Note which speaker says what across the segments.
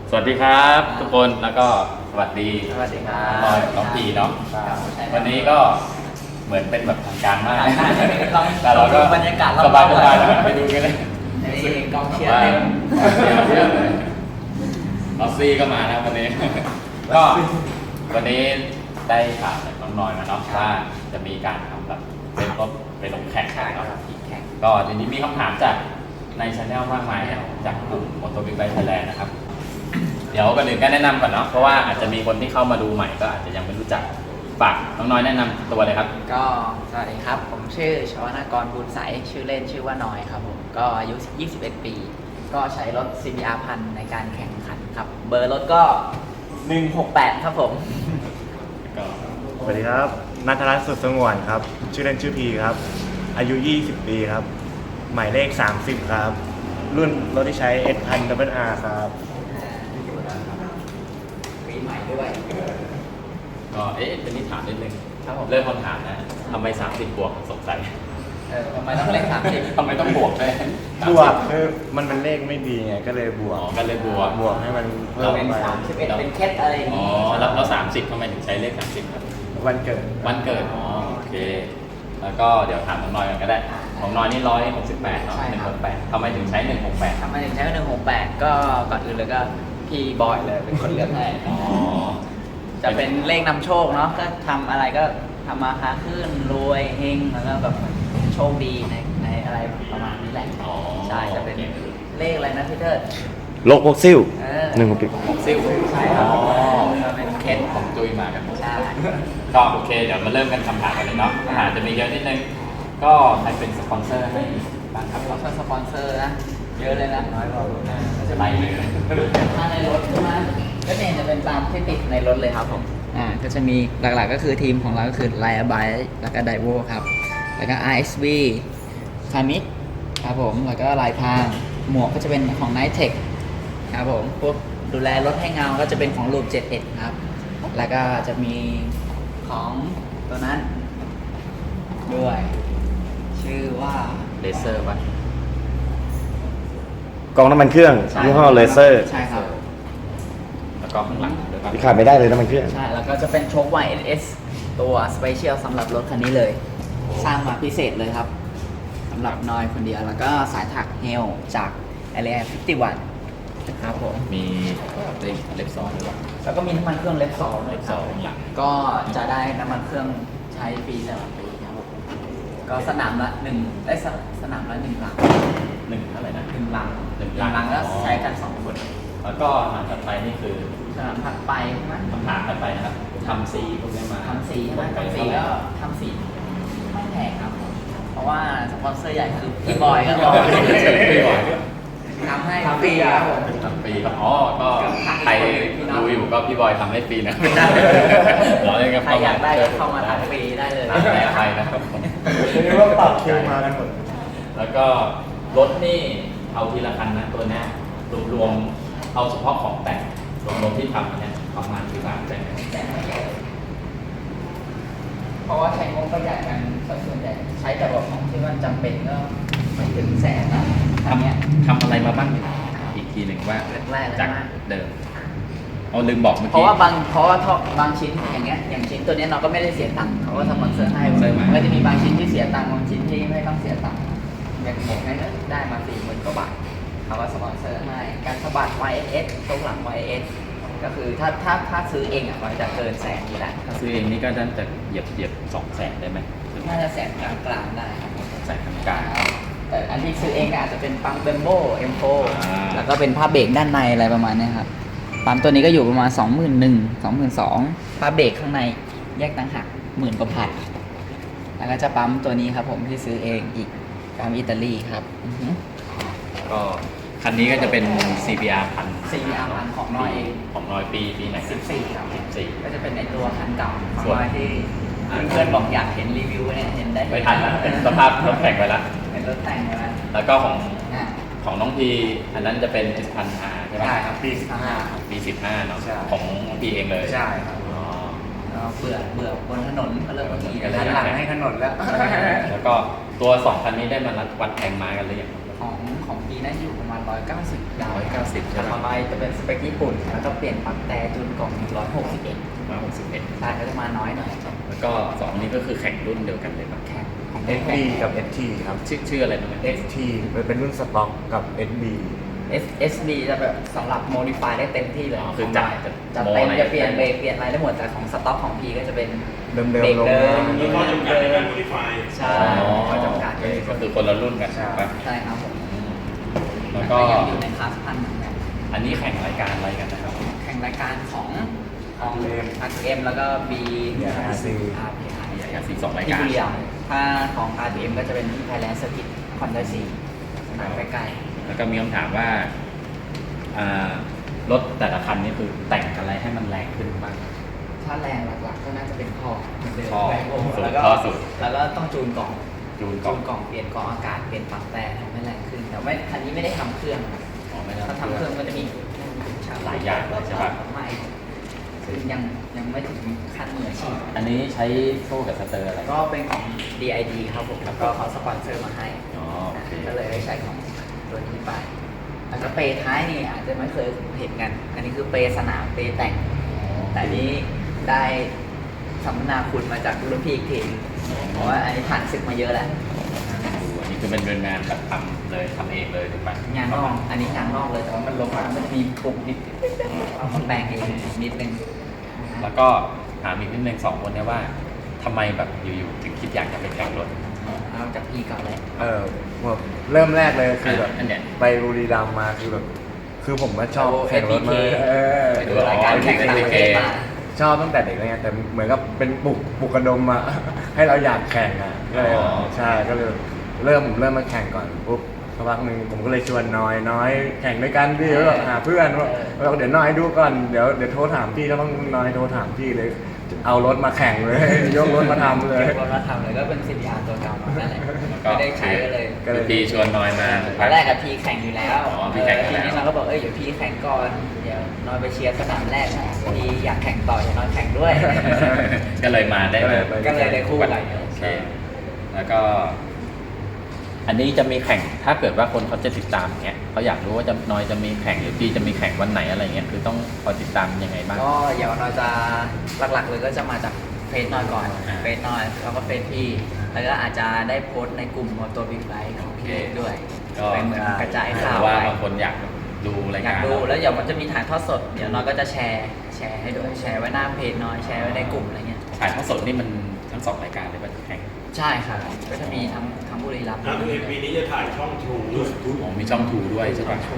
Speaker 1: สวัสดีครับทุกคนแล้วก็สวัสดี
Speaker 2: ครับ
Speaker 1: น้องพีเนาะวันนี้ก็เหมือนเป็นแบบทางการมาก
Speaker 2: แต่เราก็บรรยากาศ
Speaker 1: สบายๆแล้วไปดูกันเลย
Speaker 2: กองเชียร์เต็ม
Speaker 1: ออสซี่ก็มานะวันนี้ก็วันนี้ได้ข่าวจากน้องน้อยมาเนาะว่าจะมีการทำแบบเป็นรถไปลงแข่งเนาะก็ทีนี้มีคำถามจากในช anel มากมายจากกลุ่ม Motor Big Bike Thailand นะครับเดี๋ยวก่อนอื่นก็แนะนำก่อนเนาะเพราะว่าอาจจะมีคนที่เข้ามาดูใหม่ก็อาจจะยังไม่รู้จักฝากน้องน้อยแนะนำตัวเลยครับ
Speaker 2: ก็สวัสดีครับผมชื่อชวนากรบุญใสชื่อเล่นชื่อว่าน้อยครับผมก็อายุ 21 ปีก็ใช้รถ CBR 1000ในการแข่งขันครับเบอร์รถก็ 168 ครับผม
Speaker 3: สวัสดีครับณัฐรัตน์สุดสงวนครับชื่อเล่นชื่อพีครับอายุ 20 ปีครับหมายเลข 30 ครับรุ่นรถที่ใช้ S1000 WR ครับ
Speaker 2: ปีใหม่ด้วย
Speaker 1: ก็เป็นนิถามนิดนึง
Speaker 2: ครับผม
Speaker 1: เริ่มคำถามนะทำไม30 บวกสงสัย
Speaker 2: ทำไมต้องเลข30
Speaker 1: ทำไมต้องบวกด้วย
Speaker 3: บวกคือมันเลขไม่ดีไงก็เลยบวก
Speaker 1: ก็เลยบวก
Speaker 3: ให้มันเพิ่ม
Speaker 2: เป็น
Speaker 3: ไป
Speaker 2: 31เป็นเคสอะไรอย่างนี้
Speaker 1: แล้ว30ทำไมถึงใช้เลข30ครับ
Speaker 3: วันเกิด
Speaker 1: โอเคแล้วก็เดี๋ยวถามน้องน้อยกันก็ได้ของน้อยนี่168เนาะ168ทำไมถึงใช้168
Speaker 2: ทำไมถึงใช้168ก็ก่อนอื่นเลยก็พี่บอยเลยเป็นคนเลือกให้จะเป็นเลขนำโชคเนาะก็ทำอะไรก็ทำมาค้าขึ้นรวยเฮงแล้วก็แบบโชคดีในอะไรประมาณนี้แหละใช่จะเป็นเลขอะไรนะพี่เทิด
Speaker 3: โลกพวกซิ่ว
Speaker 1: ซิ่ว
Speaker 2: ใช่ครับเป็นเคส
Speaker 1: ของจุ้ยมากัน
Speaker 2: ใช่
Speaker 1: ก็โอเคเดี๋ยวมาเริ่มกันคำถามกันเลยเนาะคำถามจะมีเยอะนิดนึงก็ใครเป็นสปอนเซอร์ให้บ้างครับ
Speaker 2: เราช่วยสปอนเซอร์นะเยอะเลยนะน้อยกว่า
Speaker 1: จะไล่เลย
Speaker 2: ถ้าในรถใช่ไหมก็เนี่ยจะเป็นตามที่ติดในรถเลยครับผมก็จะมีหลักๆก็คือทีมของเราก็คือ Lion Bike แล้วก็ Daiwo ครับแล้วก็ RSV คามิครับผมแล้วก็ลายพางหมวกก็จะเป็นของ Nitech ครับผมพวกดูแลรถให้เงาก็จะเป็นของ Loop 71ครับแล้วก็จะมีของตัวนั้นด้วยชื่อว่า
Speaker 1: เลเซอร์ป่ะ
Speaker 3: กองน้ำมันเครื่องยี่ห้อเลเซอร์
Speaker 2: ใช่ครับ
Speaker 1: แล้วก็ข้างหลัง
Speaker 3: ที่ขาดไม่ได้เลยน้ำมันเครื่อง
Speaker 2: ใช่แล้วก็จะเป็นโชค YSS ตัวสเปเชียลสำหรับรถคันนี้เลยสร้างมาพิเศษเลยครับสำหรับนอยคนเดียวแล้วก็สายถักเฮลจาก LA 51ครับผม
Speaker 1: มีเล็บซองด้วย
Speaker 2: แล้วก็มีน้ำมันเครื่องเล็บซองด้วยครับก็จะได้น้ำมันเครื่องใช้ปีตลอดปีครับก็สนามละ1ได้สนามละ1 ลัง
Speaker 1: เท่าไหร่นะ
Speaker 2: 1 ลังแล้วใช้กัน2 คน
Speaker 1: แล้วก็คำถามถัดไปนี่คือ
Speaker 2: สนามถัดไปใช่ไหม
Speaker 1: คำถามถัดไปนะครับทำสีพวกนี้มา
Speaker 2: ทำสีใช่ไหมทำสีก็ทำสีไม่แพงครับเพราะว่าสปอนเซอร์ใหญ่คือพี่บอยก็บอก
Speaker 1: พี่บอย
Speaker 2: ทำให้ฟรีครับผม
Speaker 1: ทำฟรีครับก็ใครดูอยู่ก็พี่บอยทำให้ฟรีนะ
Speaker 2: ใครอยากได้ก็เข้ามาทำฟรีได้เลย
Speaker 1: ใครนะครับ
Speaker 3: เรียกว่าปรับคิวมากันหมด
Speaker 1: แล้วก็รถนี่เอาทีละคันนะตัวนี้รวมเอาเฉพาะของแต่งรวมที่ทำเนี่ยประมาณกี่บาทแต่
Speaker 2: เพราะว่าใช้งบประหยัดกันส่วนใหญ่ใช้แต่แบบของที่มันจำเป็นก็ไม่ถึง100,000นะ
Speaker 1: ทำอะไรมาบ้างอีกทีหนึ่งว่าจากเดิมเอาลืมบอกเมื่อกี้
Speaker 2: เพราะว่าบางชิ้นอย่างชิ้นตัวนี้เราก็ไม่ได้เสียตังค์เขาก็สปอนเซอร์ให้ก็จะมีบางชิ้นที่เสียตังค์บางชิ้นที่ไม่ต้องเสียตังค์อย่างหมวกนี่ได้มา40,000 กว่าบาทเขาก็สปอนเซอร์ให้การสะบัด YSS ตรงหลัง YSS ก็คือถ้าซื้อเองมันจะเกิน100,000อยู่แล้ว
Speaker 1: ถ้าซื้อเองนี่ก็จะเหยียบ200,000ได้ไหม
Speaker 2: น่าจะ100,000กลางๆได้ครับ
Speaker 1: 100,000กลาง
Speaker 2: แต่อันที่ซื้อเองก็อาจจะเป็นปั๊มเบมโบM4 แล้วก็เป็นผ้าเบรกด้านในอะไรประมาณนี้ครับปั๊มตัวนี้ก็อยู่ประมาณ 21,000 22,000ผ้าเบรกข้างในแยกต่างหาก10,000 กว่าบาทแล้วก็จะปั๊มตัวนี้ครับผมที่ซื้อเองอีกปั๊มอิตาลีครับ
Speaker 1: ก็คันนี้ก็จะเป็น CBR
Speaker 2: 1000ของน้อยเอง
Speaker 1: ของน้อยปีไหน
Speaker 2: 14ครับ
Speaker 1: 14
Speaker 2: ก็จะเป็นในตัวคันเก่าของน้อยที่เพื่อนบอกอยากเห็นรีวิวเนี่ยเห็นได้
Speaker 1: ไม่ทันแล้วเป็นสภาพรถแข่งไปแล้ว
Speaker 2: เป็นรถแต่งไปแล้ว
Speaker 1: แล้วก็ของน้องพีอันนั้นจะเป็น S1000R ใช่ไหม
Speaker 2: ใช่ครับปี
Speaker 1: 15เนาะของน้องพีเองเลย
Speaker 2: ใช่ครับเบื่อบนถนนก็เริ่มขี่
Speaker 3: หันหลังให้ถนนแล้ว
Speaker 1: แล้วก็ตัว2 คันนี้ได้มาวัดแข่งม้ากันหรือยัง
Speaker 2: ของปีน่าจะอยู่ประมาณ190ดาว
Speaker 1: 190ใช่ไหม
Speaker 2: ต่อไปจะเป็นสเปคญี่ปุ่นแล้วก็เปลี่ยนปลั๊กแต่จูนกล่อง161
Speaker 1: 161
Speaker 2: ใช่ก็จะมาน้อยหน่อย
Speaker 1: แล้วก็2นี้ก็คือแข่งรุ่นเดียวกันเลยปะ
Speaker 2: แข่งของ
Speaker 3: SD กับ ST ครับ
Speaker 1: ชื่ออะไรนะ
Speaker 3: ST เป็นรุ่นสต็อกกับ SB
Speaker 2: SB จะแบบสำหรับ modify ได้เต็มที่เลย
Speaker 1: อ๋อคือจัด
Speaker 2: จะเต็มจะเปลี่ยนเบรกเปลี่ยนอะไรได้หมดแต่ของสต็อกของ P ก็จะเป็น
Speaker 3: เดิม
Speaker 2: เบรก
Speaker 3: ๆลง
Speaker 2: เดิ
Speaker 3: มาม
Speaker 4: มีข้อจำกัดในการ modify
Speaker 2: ใช่ข้อจำกัด
Speaker 1: ก็คือคนละรุ่นกัน
Speaker 3: ใช่
Speaker 1: ปะ
Speaker 2: ใช่ครับผม
Speaker 1: แล้วก็
Speaker 2: ยังอยู่ในคลาสพันเหมือนกัน
Speaker 1: อันนี้แข่งรายการอะไรกันนะครับ
Speaker 2: แข่งรายการของของ
Speaker 3: RTM
Speaker 2: RTM แล้วก็ B
Speaker 3: RC
Speaker 2: RPI
Speaker 1: อย่างสี่2ราย
Speaker 2: ที่
Speaker 1: การ
Speaker 2: บุรีรัมย์ถ้าของ RTM ก็จะเป็นที่ Thailand Circuit คอนไดซีสนามใกล้
Speaker 1: แล้วก็มีคำถามว่ารถแต่ละคันนี่คือแต่งอะไรให้มันแรงขึ้นบ้าง
Speaker 2: ๆถ้าแรงหลักๆก็น่าจะเป็นท่อเหมือนเดิม
Speaker 1: ท่อ
Speaker 2: แรงโอ้
Speaker 1: สุด
Speaker 2: แล้วก็
Speaker 1: ท่อสุด
Speaker 2: แล้วก็ต้องจูนกล่อง
Speaker 1: จูนก
Speaker 2: จู
Speaker 1: ล่อง
Speaker 2: นกล่องเปลี่ยนกล่องอากาศเปลี่ยนปลั๊กแต่ทำให้แรงขึ้นแต่ว่าคันนี้ไม่ได้ทำเครื่องนะ
Speaker 1: อ๋อไม่ได้
Speaker 2: ถ้าทำเครื่องก็จะมี
Speaker 1: หลายอย่างเลยใช่ปะ
Speaker 2: ไม่ซึ่งยังไม่ถึงขั้นมืออาชีพ
Speaker 1: อันนี้ใช้โซ่กับสเตอร์อะไร
Speaker 2: ก็เป็นของ DID ครับผมแล้วก็เขาสปอนเซอร์มาให้
Speaker 1: อ๋อโอเค
Speaker 2: ก็เลยได้ใช้ของตัวนี้ไปแล้วก็เปย์ท้ายนี่อาจจะไม่เคยเห็นกัน อันนี้คือเปย์สนามเปย์แต่ง แต่อันนี้ได้สัมมนาคุณมาจากรุ่นพี่อีกทีเพราะว่าอันนี้ผ่านศึกมาเยอะแหละ
Speaker 1: อันนี้คือเป็นงานแบบทำเลยทำเองเลยถูกไหม
Speaker 2: งานนอกอันนี้งานนอกเลยแต่ว่ามันลงมามันจะมีปุ่มนิดเอามาแบ่งเองนิดนึง
Speaker 1: แล้วก็ถามอีกนิดนึง2 คนเนี่ยว่าทำไมแบบอยู่ๆถึงคิดอยากจะไปแข่งรถ
Speaker 2: เอาจากพี่ก่อนเลย
Speaker 3: แบบเริ่มแรกเลยคือแบบ
Speaker 1: อันเนี้ย
Speaker 3: ไปบุรีรัมย์มาคือแบบคือผมก็ชอบแข่งรถมา
Speaker 2: ไปดูรายการแข่งต่างประเทศมา
Speaker 3: ชอบตั้งแต่เด็กเลยไงแต่เหมือนกับเป็นปลุกกระดมมา ให้เราอยากแข่งอ่ะก็เลย
Speaker 1: อ๋อ
Speaker 3: ใช่ก็เลยเริ่มมาแข่งก่อนปุ๊บสักพักหนึ่งผมก็เลยชวนน้อยแข่งด้วยกันพี่แล้วแบบหาเพื่อนว่าเดี๋ยวน้อยดูก่อนเดี๋ยวโทรถามพี่แล้วต้องน้อยโทรถามพี่เลย เอารถมาแข่งเลย ยกรถมาทำเลย
Speaker 2: รถมาทำเลยก็เป็น CBR ตัวเก่ามานั่นแหละ
Speaker 1: แล้วก็
Speaker 2: ไม่ได้ใช้ก็เลย
Speaker 3: ก็เลย
Speaker 1: พี่ชวนน้อยมา
Speaker 2: ตอนแรกกับพีแข่งอยู่แล้ว
Speaker 1: อ๋อพี่แข่งอยู่แล้ว
Speaker 2: ทีนี้เราก็บอกเดี๋ยวพีแข่งก่อนเดี๋ยวนอนไปเชียร์สนามแรกนะพีอยากแข่งต่ออยากนอนแข่งด้วย
Speaker 1: ก็เลยมาได้
Speaker 3: ก็เลย
Speaker 2: ก็เลยได้คู่กัน
Speaker 1: โอเค แล้วก็ อันนี้จะมีแข่งถ้าเกิดว่าคนเขาจะติดตามเนี่ยเขาอยากรู้ว่าจะน้อยจะมีแข่งหรือพี่จะมีแข่งวันไหนอะไรเงี้ยคือต้องคอยติดตามยังไงบ้าง
Speaker 2: ก็อย่างนอยจะหลักๆเลยก็จะมาจากเฟซนอยก่อน
Speaker 1: อ่า
Speaker 2: เฟซนอยแล้วก็เฟซพี่แล้วก็อาจจะได้โพสต์ในกลุ่มมอเตอร์บิ๊กไบค์ของพี่ด้วย
Speaker 1: ก็
Speaker 2: เป็นเหมือนกระจาย
Speaker 1: เพ
Speaker 2: ข่าว
Speaker 1: ราะว่า
Speaker 2: ไป
Speaker 1: บางคนอยากดูราย
Speaker 2: อยา
Speaker 1: การ
Speaker 2: กดูแล้วเดี๋ยวมันจะมีถ่ายทอดสดเดี๋ยวนอยก็จะแชร์ให้ด้วยแชร์ไว้หน้าเพจนอยแชร์ไว้ในกลุ่มอะไรเงี้ย
Speaker 1: ถ่ายทอดสดนี่มันทั้ง2 รายการเลยป่ะแข่ง
Speaker 2: ใช่ครับก็จะมีทั้งบุรีรัมย์
Speaker 4: นะปีนี้จะถ่ายช่อง True ด้วย
Speaker 1: อ๋อมีช่องทูด้วยใช่ป่ะ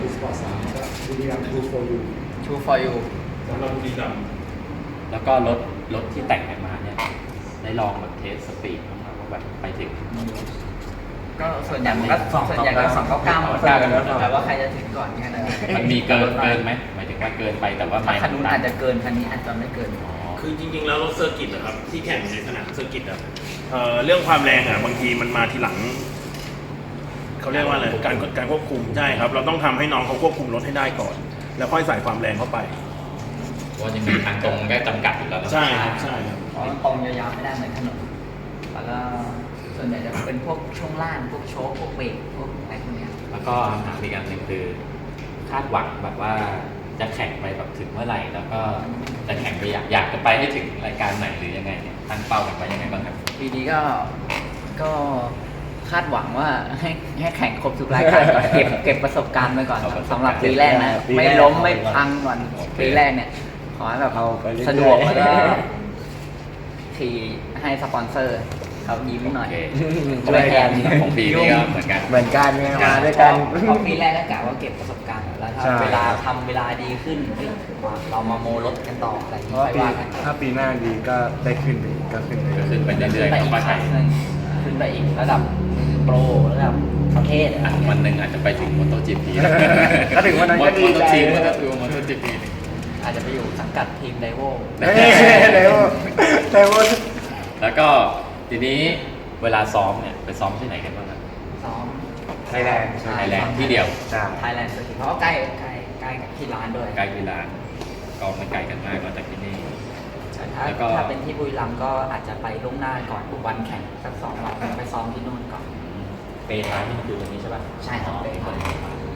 Speaker 2: True for you
Speaker 4: สำหรับบุรีรัมย์
Speaker 1: แล้วก็รถที่แต่งกันมาเนี่ยได้ลองแบบเทสสปีดบ้างไหมว่าแบบไปถึง
Speaker 2: ก็ส่วนใหญ่มันก็ส่วนใหญ่ก็299หมด
Speaker 1: 299กันหมด
Speaker 2: แต่ว่าใครจะถึงก่อนแค่นั้นเอง
Speaker 1: มันมีเกินไหมหมายถึงว่าเกินไปแต่ว่าไม่
Speaker 2: คันนู้นอาจจะเกินคันนี้อาจจะไม่เกิน
Speaker 1: อ๋อ
Speaker 4: คือจริงๆ แล้วรถเซอร์กิตนะครับที่แข่งในสนามเซอร์กิตอะเรื่องความแรงอะบางทีมันมาทีหลังเขาเรียกว่าอะไรการควบคุมใช่ครับ เราต้องทำให้น้องเขาควบคุมรถให้ได้ก่อน แล้วค่อยใส่ความแรงเข้าไป
Speaker 1: เพราะว่าจะมีทางตรงก็จำกัดอยู่แล้วนะ
Speaker 4: ใช่ครับใช่ครับ
Speaker 2: เพราะมันตรงยาวๆไม่ได้เหมือนถนนแล้วก็ส่วนใหญ่จะเป็นพวกช่วงล่างพวกโชคพวกเบรกพวกอะไรพวกเนี้ย
Speaker 1: แล้วก็ถามอีกอันหนึ่งคือคาดหวังแบบว่าจะแข่งไปแบบถึงเมื่อไหร่แล้วก็จะแข่งไปอยากจะไปให้ถึงรายการไหนหรือยังไงเนี่ยตั้งเป้ากันไว้ยังไงบ้างครับ
Speaker 2: ปีนี้ก็คาดหวังว่าให้แข่งครบทุกรายการก่อนเก็บประสบการณ์ไปก่อนสำหรับปีแรกนะ
Speaker 3: ปีแรก
Speaker 2: ไม่ล้มไม่พังก่อนปีแรกเนี่ยขอให้แบบ
Speaker 3: เอาไปเรื่อยๆ
Speaker 2: สะดวกแล้วก็ขี่ให้สปอนเซอร์เขายิ้มหน่อย
Speaker 1: โอเค
Speaker 2: ช่วยแทน
Speaker 1: ของปีนี้ก็เหมือนกัน
Speaker 3: เหมือนกันไงมาด้วยกัน
Speaker 2: เพราะปีแรกก็กะว่าเก็บประสบการณ์แล้วถ้า
Speaker 3: ใช่
Speaker 2: เวลาทำเวลาดีขึ้นเฮ้ยเรามาโมรถกันต่ออะไรอย่าง
Speaker 3: เพ
Speaker 2: นี้
Speaker 3: ราะว่า
Speaker 2: ค่อยว่ากัน
Speaker 3: ถ้าปีหน้าดีก็ได้ขึ้นไปอีกก็ขึ้นไป
Speaker 1: ก็ขึ้นไปเรื่อยๆ
Speaker 2: ไป
Speaker 1: ของ
Speaker 2: อีก
Speaker 1: ป้า
Speaker 2: ค
Speaker 1: ไท
Speaker 2: รั้
Speaker 1: ย
Speaker 2: งหนึ่งขึ้นไปอีกระดับโปรระดับประเทศอะไรอย่างเงี้ย
Speaker 1: วันหนึ่งอาจจะไปถึงมอเตอร์จีพี
Speaker 3: ก็ถึงวันนั้นก็ดี
Speaker 1: มอเตอ
Speaker 3: ใจ
Speaker 1: ร์จีมอเตอร์ทูมอเตอร์จีพี
Speaker 2: อาจจะไปอยู่สังกัดทีมไดโว
Speaker 3: เฮ้ยเร็วว่า
Speaker 1: แล้วก็ทีนี้เวลาซ้อมเนี่ยไปซ้อมที่ไหนกันบ้างครับ
Speaker 2: ซ้อม
Speaker 3: ไทยแลนด์
Speaker 1: ไทยแลนด์ที่เดียว
Speaker 3: จ้า
Speaker 2: ไทยแลนด์สกิเพราะว่าใกล้กับที่ร้านด้วย
Speaker 1: ใกล้ที่ร้านก็ไม่ไกลกันมากก็จากที่นี่
Speaker 2: ถ้า
Speaker 1: แล้วก็
Speaker 2: ถ้าเป็นที่บุรีรัมย์ก็อาจจะไปล่วงหน้าก่อนวันแข่งสัก2 วันไปซ้อมที่นู่นก่อน
Speaker 1: เปย์ท้ายนี่คือตรงนี้ใช่ป่ะ
Speaker 2: ใช่ครับเปย์ก่อน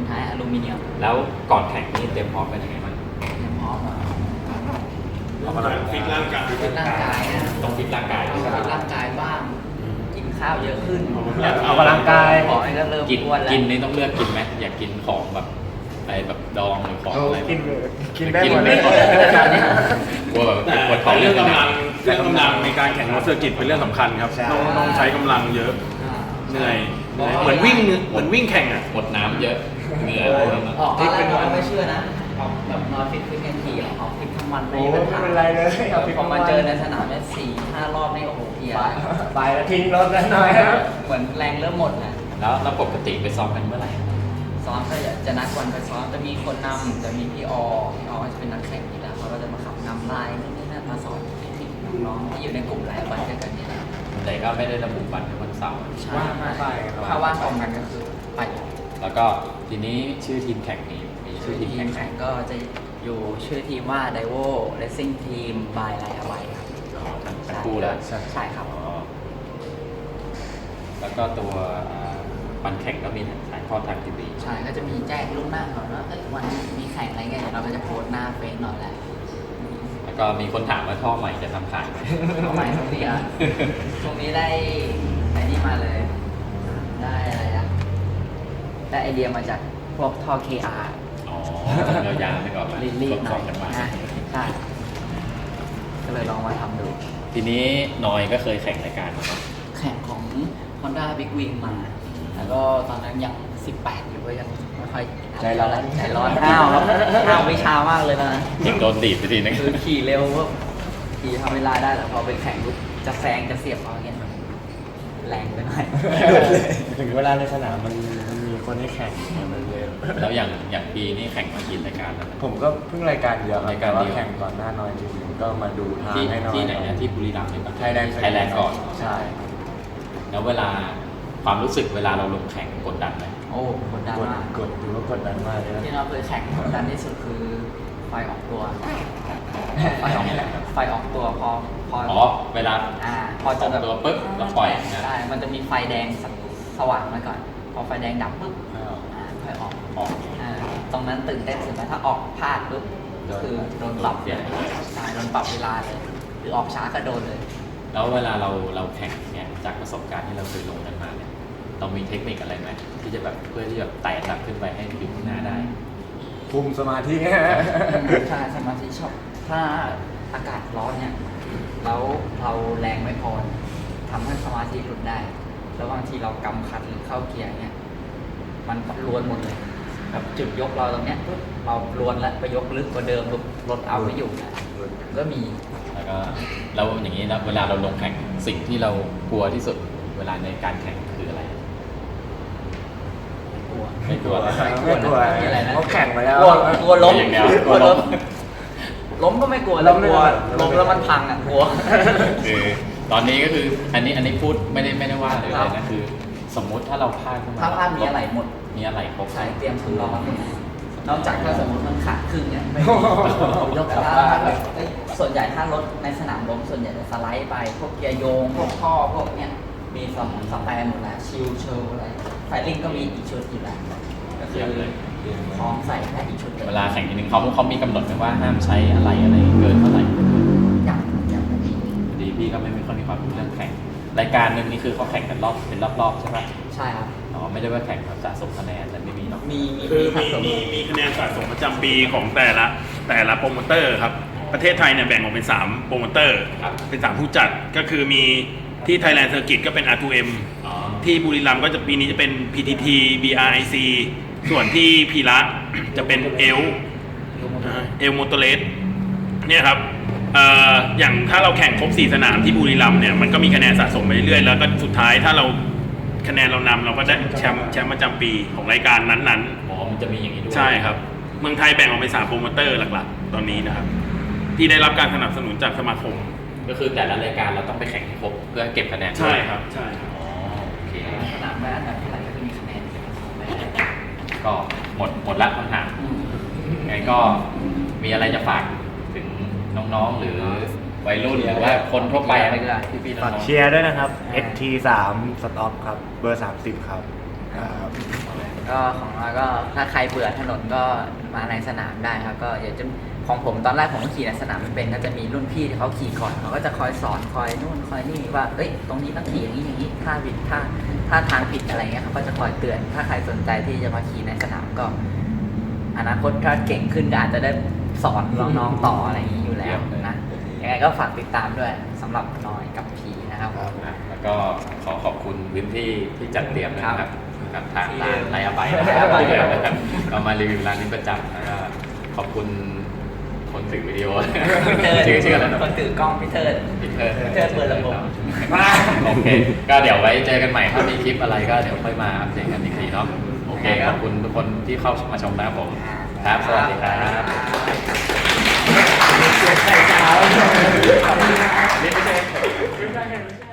Speaker 2: ท้ายอลูมิเนียม
Speaker 1: แล้วก่อนแข่งนี่เตรียมพร้อมเป็นยังไงบ้าง
Speaker 2: เตรียมพร้อมอ่ะ
Speaker 4: ฟิตร่างกาย
Speaker 2: ฟิตร่างกายนะ
Speaker 1: ต้องฟิตร่างกายด้วย
Speaker 2: ฟิตร่างกายบ้างกินข้าวเยอะขึ้น
Speaker 3: ออกกำลังกาย
Speaker 2: ขอให้ก็เริ่ม
Speaker 1: กิน
Speaker 2: อ้วนแล้ว
Speaker 1: กินนี่ต้องเลือกกินไหมอยากกินของแบบอะไรแบบดองหรือของอะไร
Speaker 3: กินได้หมดเลย
Speaker 1: กลัวแบบ
Speaker 4: แต่
Speaker 1: ปวดท้อง
Speaker 4: เรื่องกำลังในการแข่งรถเซอร์กิตเป็นเรื่องสำคัญครับ
Speaker 3: ใช่
Speaker 4: ต้องใช้กำลังเยอะ เหนื่อยเหมือนวิ่งแข่งอ่ะ
Speaker 1: หมดน้ำเยอะเหงื่อ
Speaker 2: ออกตอนแรกเราไม่เชื่อนะออกแบบนอนฟิตกันทีออกฟิตทั้งวัน
Speaker 3: โอ้ไม่เป็นไรเลย
Speaker 2: พอมาเจอในสนามเนี่ย4-5 รอบนี่โอ้โหเพลีย
Speaker 3: ไปแล้วทิ้งรถแล้วหน่อยครับ
Speaker 2: เหมือนแรงเริ่มหมดนะ
Speaker 1: แล้วปกติไปซ้อมกันเมื่อไหร่
Speaker 2: ซ้อมก็จะนัดวันไปซ้อมจะมีคนนำจะมีพี่อก็จะเป็นนักแข่งนี่แหละเขาก็จะมาขับนำไลน์นี่นั่นมาสอนเทคนิคน้องๆที่อยู่ในกลุ่มไลน์บันด้วยกันนี่แหละ
Speaker 1: แต่ก็ไม่ได้ระบุวันเป็นวันเสาร์
Speaker 2: ใช่ถ้าว่างตรงกันก็คือไป
Speaker 1: แล้วก็ทีนี้ชื่อทีมแข่งนี้มีชื่อทีม
Speaker 2: ที
Speaker 1: แข่
Speaker 2: ม
Speaker 1: งไหม
Speaker 2: แข่งก็จะอยู่ชื่อทีมว่า Daiwo Racing Team by ไลน์บันครับ
Speaker 1: ทั้งคู่เลย
Speaker 2: ใช่ครับ
Speaker 1: อ๋อแล้วก็ตัววันแข่งก็มีถ่ายทอดทางทีวี
Speaker 2: ใช่ก็จะมีแจ้งล่วงหน้าก่อนว่าวันนี้มีแข่งอะไรเงี้ยเดี๋ยวเราก็จะโพสต์หน้าเฟซหน่อยแหละ
Speaker 1: แล้วก็มีคนถามว่าท่อใหม่จะทำขายไหม
Speaker 2: เอาใหม่ตรงนี้อ่ะตรงนี้ได้ไอ้นี่มาเลย ได้อะไรอะได้ไอเดียมาจากพวกท่อ KR
Speaker 1: อ๋อเรายาวไปก่อน
Speaker 2: รีบๆห
Speaker 1: ส
Speaker 2: น่
Speaker 1: อ
Speaker 2: อง ย
Speaker 1: กันมา
Speaker 2: นะใช่ก็เลยลองมาทำดู
Speaker 1: ทีนี้นอยก็เคยแข่งรายการมาเนาะ
Speaker 2: แข่งของ Honda Big Wing มา แล้วก็ตอนนั้นยัง 18 อยู่ก็ยังไม่ค่อย
Speaker 3: ใจร้อน
Speaker 2: ใจร้อนห้าวครับห้าววิชามากเลยนะ
Speaker 1: ยิงโดนดีดไปทีนึง
Speaker 2: คือขี่เร็วก็ขี่ทำเวลาได้แต่พอไปแข่งปุ๊บจะแซงจะเสียบเขาอย่างเงี้ยแรงไปหน่อย
Speaker 3: ถึงเวลาในสนามมันมีคนให้แข่งมันเลย
Speaker 1: แล้วอย่างปีนี่แข่งมากี่รายการแล้วนะ
Speaker 3: ผมก็เพิ่งรายการเดียวครับ
Speaker 1: รายการเดียว
Speaker 3: แต่แข่งก่อนหน้าน้อยจริงๆก็มาดูทาง
Speaker 1: ที่
Speaker 3: ให้น้อย
Speaker 1: ที่ไหนนะที่บุรีรัมย์ใช่ปะ
Speaker 3: ไทยแลนด์
Speaker 1: ไทยแลนด์ก่อน
Speaker 3: ใช่
Speaker 1: แล้วเวลาความรู้สึกเวลาเราลงแข่งกดดันไหม
Speaker 2: โอ้กดดันมาก
Speaker 3: กดถือว่ากดดันมากเลยนะ
Speaker 2: ที่เราเคยแข่งกดดันที่สุดคือไฟออกตัว ไฟออกตัวพอ
Speaker 1: อ๋อเวลา
Speaker 2: พอจะแบบ
Speaker 1: ตัวปุ๊บแล้วปล่อยนะ
Speaker 2: ใช่ มันจะมีไฟแดงสว่างมาก่อน พอไฟแดงดับปุ๊บค่อยออก
Speaker 1: ออก
Speaker 2: ตรงนั้นตื่นเต้นสุดนะถ้าออกพลาดปุ๊บก็คือโดนปรับ
Speaker 1: เสีย
Speaker 2: ใช่โดนปรับเวลาเลย หรือออกช้าก็โดนเลย
Speaker 1: แล้วเวลาเราแข่งเนี่ยจากประสบการณ์ที่เราเคยลงกันมาเนี่ยเรามีเทคนิคอะไรไหมที่จะแบบเพื่อที่จะไต่ระดับขึ้นไปให้อยู่ข้างหน้าได้
Speaker 3: คุมสมาธิ
Speaker 2: ใช่สมาธิชอบถ้าอากาศร้อนเนี่ยแล้วเราแรงไม่พอทำให้สมาธิหลุดได้ แล้วบางทีเรากำคัดหรือเข้าเกียร์เนี่ยมันรวนหมดเลยแบบจุดยกเราตรงเนี้ยปุ๊บเรารวนแล้วไปยกลึกกว่าเดิมปุ๊บรถเอาไม่อยู่นะก็มี
Speaker 1: แล้วก็แล้วอย่างนี้นะเวลาเราลงแข่งสิ่งที่เรากลัวที่สุดเวลาในการแข่งคืออะไร
Speaker 2: กลัว
Speaker 1: ไม่กลัวเลย
Speaker 3: ไม่กลัว
Speaker 2: มีอะไรนะ
Speaker 3: เขาแข่งมาแล้ว
Speaker 2: กลัวล้ม
Speaker 1: อย่างเดียว
Speaker 2: กลัวล้มล้มก็ไม่กลัว
Speaker 3: ล้
Speaker 2: แล้ว
Speaker 3: ม
Speaker 2: กลัว
Speaker 3: ล้
Speaker 2: ล้ม
Speaker 3: ม
Speaker 2: แล้วมันพังอ่ะกลัว
Speaker 1: คือตอนนี้ก็คืออันนี้พูดไม่ได้ว่าเลยนะคือ สมมุติถ้าเราพลาดขึ้นมา
Speaker 2: ถ้าพลาดมีอะไรหมด
Speaker 1: มีอะไรครบ
Speaker 2: ใช้เตรียมสำรองนอกจากถ้าสมมติมันขาดครึ่งเนี่ยไม่
Speaker 3: โอ้โห
Speaker 2: ยกแต่ถ้าแบบส่วนใหญ่ถ้ารถในสนามล้มส่วนใหญ่จะสไลด์ไปพวกเกียร์โยงพวกท่อพวกเนี้ยมีสแปร์หมดแล้วชิลเชลอะไรไฟลิ่งก็มีอีกชุดอยู่แล้วก็คือพร้อมใส่แค่อีกชุดดียว
Speaker 1: เวลาแข่งทีนึงเขามีกำหนดไหมว่าห้ามใช้อะไรเกินเท่าไหร่
Speaker 2: อย่างไม่มี
Speaker 1: ดีพี่ก็ไม่ค่อยมีความรู้เรื่องแข่งรายการหนึ่งนี่คือเขาแข่งกันเป็นรอบๆใช่ไหม
Speaker 2: ใช่ครับ
Speaker 1: อ๋อไม่ได้ว่าแข่งแบบสะสมคะแนนแต่ไม่มีเนาะ
Speaker 2: มี
Speaker 4: คือ
Speaker 2: สะสม
Speaker 4: มีคะแนนสะสมประจำปีของแต่ละโปรโมเตอร์ครับ ประเทศไทยเนี่ยแบ่งออกเป็น3โปรโมเตอร์เป็น3ผู้จัดก็คือมีที่ Thailand Circuit ก็เป็น R2M
Speaker 1: อ๋อ
Speaker 4: ที่บุรีรัมย์ก็จะปีนี้จะเป็น PTT BRIC ส่วนที่พีระจะเป็นเอลโมโตเลสเนี่ยครับอย่างถ้าเราแข่งครบ4สนามที่บุรีรัมย์เนี่ยมันก็มีคะแนนสะสมไปเรื่อยๆแล้วก็สุดท้ายถ้าเราคะแนนเรานำเราก็ได้แชมป์ประจำปีของรายการนั้น
Speaker 1: อ๋อมันจะมีอย่างนี้ด้วย
Speaker 4: ๆใช่ครับเมืองไทยแบ่งออกเป็น3โปรโมเตอร์หลักๆตอนนี้นะครับที่ได้รับการสนับสนุนจากสมาคม
Speaker 1: ก็คือแต่ละรายการเราต้องไปแข่งให้ครบเพื่อเก็บคะแนน
Speaker 4: ใช่ครับใช่ครับ
Speaker 1: อ๋อโอเค
Speaker 2: สนามได้อันดับเท่าไหร่ก็จะมีคะแนน
Speaker 1: ก็หมดละคำถามไงก็มีอะไรจะฝากถึงน้องๆหรือวัยรุ่นหรือว่าคนทั่วไป
Speaker 2: ไปก็ได้พี่ๆน้
Speaker 3: ฝา
Speaker 2: อก ง
Speaker 3: เชียร์ด้วยนะครับ ST3 สต็อปครับ เบอร์ 30 ครับ
Speaker 2: ก็ของเราก็ถ้าใครเบื่อถนนก็มาในสนามได้ครับก็อยากจะของผมตอนแรกผมก็ขี่ในสนามไม่เป็นก็จะมีรุ่นพี่ที่เขาขี่ก่อนเขาก็จะคอยสอนคอยนู่นคอยนี่ว่าเอ้ยตรงนี้ต้องขี่อย่างนี้อย่างนี้ถ้าผิดถ้าทางผิดอะไรเงี้ยเขาก็จะคอยเตือนถ้าใครสนใจที่จะมาขี่ในสนามก็อนาคตถ้าเก่งขึ้นก็อาจจะได้สอนน้องๆต่ออะไรอย่างนี้อยู่แล้วนะยังไงก็ฝากติดตามด้วยสำหรับน้อยกับพีนะครับ
Speaker 1: แล้วก็ขอขอบคุณวินที่จัดเตรียมนะครับกับทางร้านไทยอาไบ
Speaker 2: ไทยอาไบ
Speaker 1: นะครับก็มารีวิวร้านนี้ประจำแล้วก็ขอบคุณคนถือวิดีโอ
Speaker 2: พี่เทิร์
Speaker 1: ชื่ออะไรนะ
Speaker 2: คนถือกล้องพี่เทิร์
Speaker 1: พี่เทิร์
Speaker 2: เปิดระบบ
Speaker 1: โอเคก็เดี๋ยวไว้เจอกันใหม่ถ้ามีคลิปอะไรก็เดี๋ยวค่อยมาอัปเดตกันอีกทีเนาะโอเคขอบคุณทุกคนที่เข้ามาชมนะครับผมครับสวัสดีครับ
Speaker 2: ใส่เช้า
Speaker 1: นี่ไม่ใช่